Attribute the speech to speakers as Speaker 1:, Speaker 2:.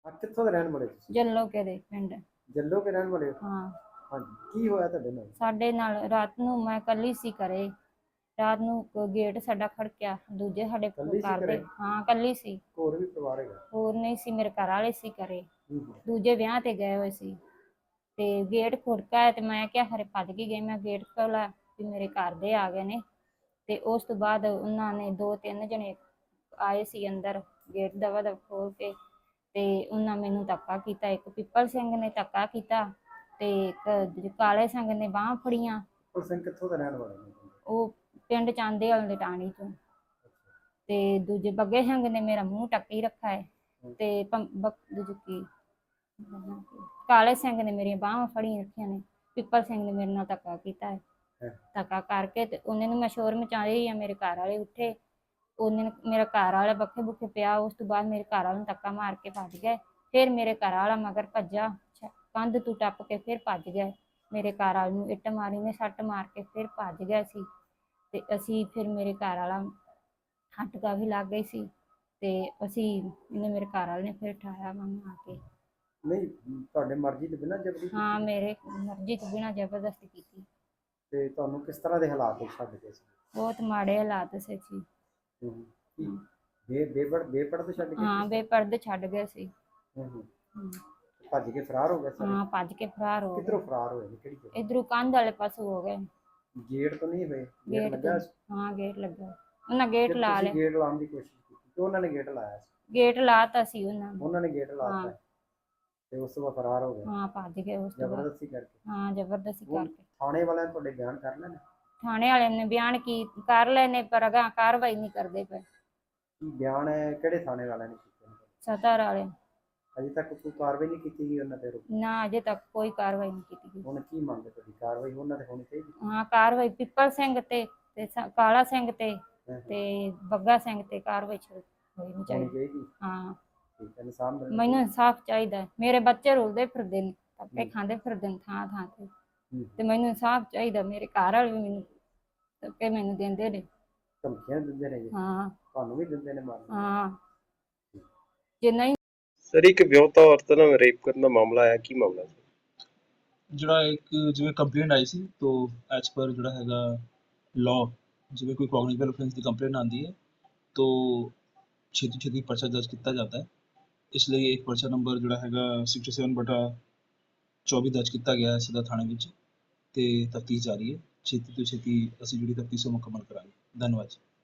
Speaker 1: ਕਿੱਥੋਂ ਦੇ ਰਹਿਣ ਵਾਲੇ ਤੁਸੀਂ?
Speaker 2: ਜੱਲੋ ਕੇ ਦੇ ਪਿੰਡ।
Speaker 1: ਜੱਲੋ ਕੇ ਰਹਿਣ ਵਾਲੇ ਹੋ?
Speaker 2: ਹਾਂ,
Speaker 1: ਹਾਂਜੀ, ਕੀ ਹੋਇਆ ਤੁਹਾਡੇ ਨਾਲ?
Speaker 2: ਸਾਡੇ ਨਾਲ ਰਾਤ ਨੂੰ ਮੈਂ ਕੱਲੀ ਸੀ ਘਰੇ। ਰਾਤ ਨੂੰ ਗੇਟ ਸਾਡਾ ਖੜਕਿਆ, ਦੂਜੇ ਸਾਡੇ
Speaker 1: ਇਕੱਲੀ ਸੀ
Speaker 2: ਘਰ
Speaker 1: ਘਰੇ?
Speaker 2: ਦੇ। ਹਾਂ, ਕੱਲੀ ਸੀ,
Speaker 1: ਹੋਰ ਵੀ ਪਰਿਵਾਰ ਹੈਗਾ?
Speaker 2: ਹੋਰ ਨਹੀਂ ਸੀ, ਮੇਰੇ ਘਰ ਵਾਲੇ ਸੀ ਘਰੇ।
Speaker 1: ਹੂੰ।
Speaker 2: ਦੂਜੇ ਵਿਆਹ ਤੇ ਗਏ ਹੋਏ ਸੀ ਤੇ ਗੇਟ ਖੁੜਕਾ ਤੇ ਮੈਂ ਕਿਹਾ ਖਰੇ ਭੱਜ ਕੇ ਗਏ। ਮੈਂ ਗੇਟ ਖੋਲ੍ਹਿਆ ਵੀ ਮੇਰੇ ਘਰ ਦੇ ਆ ਗਏ ਨੇ। ਤੇ ਉਸ ਤੋਂ ਬਾਅਦ ਉਹਨਾਂ ਨੇ 2-3 ਜਣੇ ਆਏ ਸੀ ਅੰਦਰ, ਗੇਟ ਦਵਾ ਦਵ ਖੋਲ ਕੇ। ਤੇ ਉਹਨਾਂ ਮੈਨੂੰ ਧੱਕਾ ਕੀਤਾ। ਇੱਕ ਪਿੱਪਲ ਸਿੰਘ ਨੇ ਧੱਕਾ ਕੀਤਾ ਤੇ ਇੱਕ ਕਾਲੇ ਸਿੰਘ ਨੇ ਬਾਹਾਂ ਫੜੀਆਂ।
Speaker 1: ਉਹ ਸਿੰਘ ਕਿੱਥੋਂ ਦੇ ਰਹਿਣ ਵਾਲੇ ਨੇ?
Speaker 2: ਉਹ ਪਿੰਡ ਚਾਂਦੇ ਵਾਲੇ ਦੇ ਟਾਣੀ ਤੋਂ। ਤੇ ਦੂਜੇ ਬੱਗੇ ਸਿੰਘ ਨੇ ਮੇਰਾ ਮੂੰਹ ਢੱਕੀ ਰੱਖਾ ਹੈ। ਤੇ ਦੂਜੇ ਕੀ ਕਾਲੇ ਸਿੰਘ ਨੇ ਮੇਰੀਆਂ ਬਾਹਾਂ ਫੜੀਆਂ ਰੱਖੀਆਂ ਨੇ। ਪਿੱਪਲ ਸਿੰਘ ਨੇ ਮੇਰੇ ਨਾਲ ਧੱਕਾ ਕੀਤਾ ਹੈ। ਧੱਕਾ ਕਰਕੇ ਤੇ ਉਹਨੇ ਨੂੰ ਮੈਂ ਸ਼ੋਰ ਮਚਾਈ ਆ। ਮੇਰੇ ਘਰ ਵਾਲੇ ਉੱਠੇ, ਉਹਨੇ ਮੇਰਾ ਘਰ ਵਾਲਾ ਬੱਖੇ ਬੁੱਖੇ ਪਿਆ। ਉਸ ਤੋਂ ਬਾਅਦ ਮੇਰੇ ਘਰ ਵਾਲੇ ਨੂੰ ਧੱਕਾ ਮਾਰ ਕੇ ਭੱਜ ਗਏ। ਫਿਰ ਮੇਰੇ ਘਰ ਵਾਲਾ ਮਗਰ ਭੱਜਾ, ਕੰਧ ਤੋਂ ਟੱਪ ਕੇ ਫਿਰ ਭੱਜ ਗਏ। ਮੇਰੇ ਘਰ ਵਾਲੇ ਨੂੰ ਇੱਟ ਮਾਰੀ ਨੇ, ਸੱਟ ਮਾਰ ਕੇ ਫਿਰ ਭੱਜ ਗਏ ਸੀ। ਤੇ ਅਸੀਂ ਫਿਰ ਮੇਰੇ ਘਰ ਵਾਲਾ ਹੱਟਕਾ ਵੀ ਲੱਗ ਗਈ ਸੀ ਤੇ ਇਹਨੇ ਮੇਰੇ ਘਰ ਵਾਲੇ ਨੇ ਫਿਰ ਉਠਾਇਆ ਮੈਨੂੰ ਆ ਕੇ।
Speaker 1: ਨਹੀਂ, ਤੁਹਾਡੇ ਮਰਜ਼ੀ ਤੋਂ ਬਿਨਾਂ ਜਬਰੀ ਕੀਤੀ?
Speaker 2: ਹਾਂ, ਮੇਰੇ ਮਰਜ਼ੀ ਤੋਂ ਬਿਨਾਂ ਜ਼ਬਰਦਸਤੀ ਕੀਤੀ।
Speaker 1: ਤੇ ਤੁਹਾਨੂੰ ਕਿਸ ਤਰ੍ਹਾਂ ਦੇ ਹਾਲਾਤ ਵਿੱਚ ਛੱਡ ਗਏ ਸੀ?
Speaker 2: ਬਹੁਤ ਮਾੜੇ ਹਾਲਾਤ ਸੀ ਜੀ।
Speaker 1: ਬੇਪਰਦ ਛੱਡ ਗਏ?
Speaker 2: ਹਾਂ, ਬੇਪਰਦ ਛੱਡ ਗਏ ਸੀ।
Speaker 1: ਭੱਜ ਕੇ ਫਰਾਰ ਹੋ ਗਏ ਸਾਰੇ?
Speaker 2: ਹਾਂ, ਭੱਜ ਕੇ ਫਰਾਰ ਹੋ
Speaker 1: ਕਿੱਧਰੋਂ
Speaker 2: ਗਏ।
Speaker 1: ਫਰਾਰ ਹੋਏ ਨੇ? ਕਿਹੜੀ ਜਗ੍ਹਾ?
Speaker 2: ਇਧਰੋਂ ਕੰਧ ਵਾਲੇ ਪਾਸੋਂ ਹੋ ਗਏ।
Speaker 1: ਗੇਟ ਤੋਂ ਨਹੀਂ ਹੋਏ? ਗੇਟ
Speaker 2: ਗੇਟ
Speaker 1: ਲੱਗਾ
Speaker 2: ਤੋਂ।
Speaker 1: ਸੀ?
Speaker 2: ਹਾਂ, ਗੇਟ ਲੱਗਾ। ਉਹਨਾਂ ਗੇਟ ਲਾ
Speaker 1: ਤੁਸੀਂ
Speaker 2: ਲਿਆ।
Speaker 1: ਗੇਟ ਲਾਉਣ ਦੀ ਕੋਸ਼ਿਸ਼ ਕੀਤੀ ਤੇ ਉਹਨਾਂ ਨੇ ਗੇਟ ਲਾਇਆ ਸੀ?
Speaker 2: ਗੇਟ ਲਾਤਾ ਸੀ ਉਹਨਾਂ ਨੇ।
Speaker 1: ਉਹਨਾਂ ਨੇ ਗੇਟ ਲਾਤਾ ਤੇ ਉਸ ਤੋਂ ਬਾਅਦ ਫਰਾਰ ਹੋ ਗਏ?
Speaker 2: ਹਾਂ, ਭੱਜ ਗਏ ਉਸ ਤੋਂ ਬਾਅਦ।
Speaker 1: ਜ਼ਬਰਦਸਤੀ ਕਰਕੇ?
Speaker 2: ਹਾਂ, ਜ਼ਬਰਦਸਤੀ ਕਰਕੇ।
Speaker 1: ਥਾਣੇ ਵਾਲਿਆਂ ਨੇ ਤੁਹਾਡੇ ਬਿਆਨ ਕਰ ਲੈਣੇ?
Speaker 2: ਥਾਣੇ ਵਾਲੇ ਨੇ ਬਿਆਨ ਕਰ ਲਏ ਨੇ, ਪਰ ਅਗਾਂਹ ਕਾਰਵਾਈ ਨਹੀਂ ਕਰਦੇ ਪਏ।
Speaker 1: ਕੀ ਬਿਆਨ ਹੈ? ਕਿਹੜੇ ਥਾਣੇ ਵਾਲਿਆਂ ਨੇ ਕੀਤੇ ਨੇ?
Speaker 2: ਸਤਰ ਵਾਲੇ।
Speaker 1: ਅਜੇ ਤੱਕ ਕੋਈ ਕਾਰਵਾਈ ਨਹੀਂ ਕੀਤੀ ਗਈ ਉਹਨਾਂ ਤੇ?
Speaker 2: ਨਾ, ਅਜੇ ਤੱਕ ਕੋਈ ਕਾਰਵਾਈ ਨਹੀਂ ਕੀਤੀ ਗਈ।
Speaker 1: ਹੁਣ ਕੀ ਮੰਗਦੇ ਤੁਹਾਡੀ? ਕਾਰਵਾਈ ਉਹਨਾਂ ਤੇ ਹੋਣੀ ਚਾਹੀਦੀ?
Speaker 2: ਹਾਂ, ਕਾਰਵਾਈ ਪਿੱਪਲ ਸਿੰਘ ਤੇ ਕਾਲਾ ਸਿੰਘ ਤੇ ਬੱਗਾ ਸਿੰਘ ਤੇ ਕਾਰਵਾਈ ਹੋਣੀ ਚਾਹੀਦੀ। ਹਾਂ,
Speaker 1: ਠੀਕ ਹੈ। ਇਨਸਾਨ
Speaker 2: ਮੈਨੂੰ ਇਨਸਾਫ ਚਾਹੀਦਾ ਹੈ। ਮੇਰੇ ਬੱਚੇ ਰੁਲਦੇ ਫਿਰਦੇ ਨੇ, ਧੱਕੇ ਖਾਂਦੇ ਫਿਰਦੇ ਨੇ ਥਾਂ ਥਾਂ ਤੇ ਮੈਨੂੰ ਇਨਸਾਫ ਚਾਹੀਦਾ। ਮੇਰੇ ਘਰ ਵਾਲੇ ਵੀ ਮੈਨੂੰ ਧੱਕੇ ਮੈਨੂੰ ਦਿੰਦੇ ਨੇ।
Speaker 1: ਧਮਕੀਆਂ ਦਿੰਦੇ ਨੇ?
Speaker 2: ਹਾਂ,
Speaker 1: ਤੁਹਾਨੂੰ ਵੀ ਦਿੰਦੇ ਨੇ ਮਾਰਨ?
Speaker 2: ਹਾਂ। ਜੇ ਨਹੀਂ
Speaker 3: ਸਰ, ਇੱਕ ਵਿਆਹੁਤਾ ਔਰਤ ਨਾਲ ਰੇਪ ਕਰਨ ਦਾ ਮਾਮਲਾ ਆਇਆ, ਕੀ ਮਾਮਲਾ ਸੀ?
Speaker 4: ਜਿਹੜਾ ਇੱਕ ਜਿਵੇਂ ਕੰਪਲੇਂਟ ਆਈ ਸੀ ਤਾਂ ਐਜ਼ ਪਰ ਜਿਹੜਾ ਹੈਗਾ ਲਾਅ, ਜਿਵੇਂ ਕੋਈ ਕੌਗਨੀਟਿਵ ਅਫੈਂਸ ਦੀ ਕੰਪਲੇਂਟ ਆਉਂਦੀ ਹੈ ਤਾਂ ਛੇਤੀ ਛੇਤੀ ਪਰਚਾ ਦਰਜ ਕੀਤਾ ਜਾਂਦਾ ਹੈ। ਇਸ ਲਈ ਇੱਕ ਪਰਚਾ ਨੰਬਰ ਜਿਹੜਾ ਹੈਗਾ 67/24 ਦਰਜ ਕੀਤਾ ਗਿਆ ਹੈ ਸਦਰ ਥਾਣੇ ਵਿੱਚ ਤੇ ਤਫਤੀਸ਼ ਜਾਰੀ ਹੈ। ਛੇਤੀ ਤੋਂ ਛੇਤੀ ਅਸੀਂ ਜਿਹੜੀ ਤਫਤੀਸ਼ ਉਹ ਮੁਕੰਮਲ ਕਰਾਂਗੇ। ਧੰਨਵਾਦ।